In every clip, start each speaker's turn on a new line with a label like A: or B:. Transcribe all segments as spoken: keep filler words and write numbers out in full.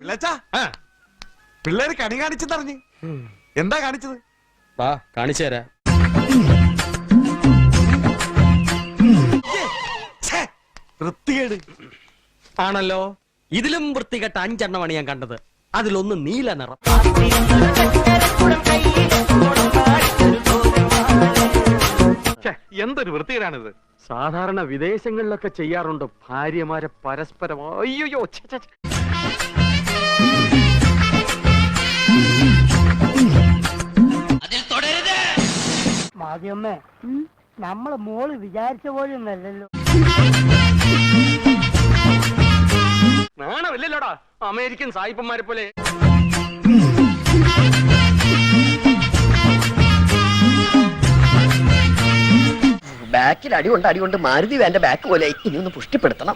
A: ലച്ചാ പിള്ളേര് കണി കാണിച്ചെന്നറിഞ്ഞ് എന്താ കാണിച്ചത്?
B: വാ കാണിച്ചു തരാ.
A: വൃത്തികേട്
B: ആണല്ലോ. ഇതിലും വൃത്തികെട്ട അഞ്ചെണ്ണമാണ് ഞാൻ കണ്ടത്. അതിലൊന്ന് നീല നിറം.
C: എന്തൊരു വൃത്തികേടാണിത്.
B: സാധാരണ വിദേശങ്ങളിലൊക്കെ ചെയ്യാറുണ്ട് ഭാര്യമാരെ പരസ്പരം. അയ്യോ,
D: മാധ്യമേ, നമ്മളെ മോള് വിചാരിച്ച പോലെ ഒന്നല്ലല്ലോ.
B: നാണമില്ലല്ലോടാ അമേരിക്കൻ സായിപ്പന്മാരെ പോലെ.
E: ബാക്കിൽ അടികൊണ്ട് അടികൊണ്ട് മാരുതി വേന്റെ ബാക്ക് പോലെ ഇനി ഒന്ന് പുഷ്ടിപ്പെടുത്തണം.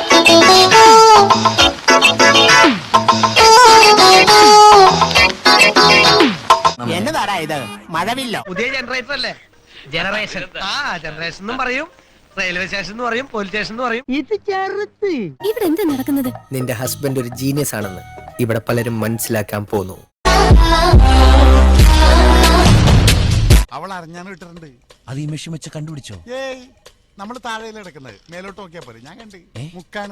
F: എന്നതാടാ ഇത്? മഴവില്ലോ?
G: പുതിയ ജനറേറ്റർ അല്ലേ? ജനറേഷൻ. ആ ജനറേഷൻ എന്നും പറയും, റെയിൽവേ സ്റ്റേഷൻ എന്ന് പറയും, പോലീസ് സ്റ്റേഷൻ എന്ന് പറയും.
D: ഇത് ചെറുത്ത്.
H: ഇവിടെ എന്താ നടക്കുന്നത്?
F: നിന്റെ ഹസ്ബൻഡ് ഒരു ജീനിയസ് ആണെന്ന് ഇവിടെ പലരും മനസ്സിലാക്കാൻ പോന്നു.
A: അവൾ അറിഞ്ഞാണ് ഇട്ടിട്ടുണ്ട്.
I: അത് ഈ മെഷീൻ വെച്ച് കണ്ടുപിടിച്ചോ?
A: ഏയ് നമ്മള് താഴെ കിടക്കുന്നത്, മേലോട്ട് നോക്കിയാ പോലെ. ഞാൻ കണ്ട് മുക്കാണ്.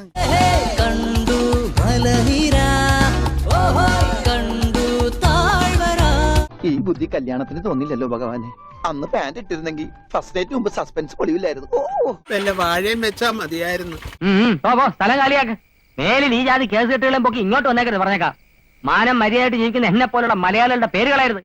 E: ഈ ബുദ്ധി കല്യാണത്തിന് തോന്നില്ലല്ലോ ഭഗവാനെ. അന്ന് പാന്റ് ഇട്ടിരുന്നെങ്കിൽ ഫസ്റ്റ് ഡേറ്റ് മുമ്പ് സസ്പെൻസ് പൊളിയില്ലായിരുന്നു.
F: വല്ല വാഴയും വെച്ചാ മതിയായിരുന്നു.
D: സ്ഥലം കാലിയാക്ക്. മേലിൽ ഈ ജാതി കേസ് കെട്ടുകളും പൊക്കി ഇങ്ങോട്ട് വന്നേക്കരുത് പറഞ്ഞേക്കാം. മാനം മര്യാദയായിട്ട് ജീവിക്കുന്ന എന്നെ പോലുള്ള മലയാളികളുടെ പേരുകളായിരുന്നു.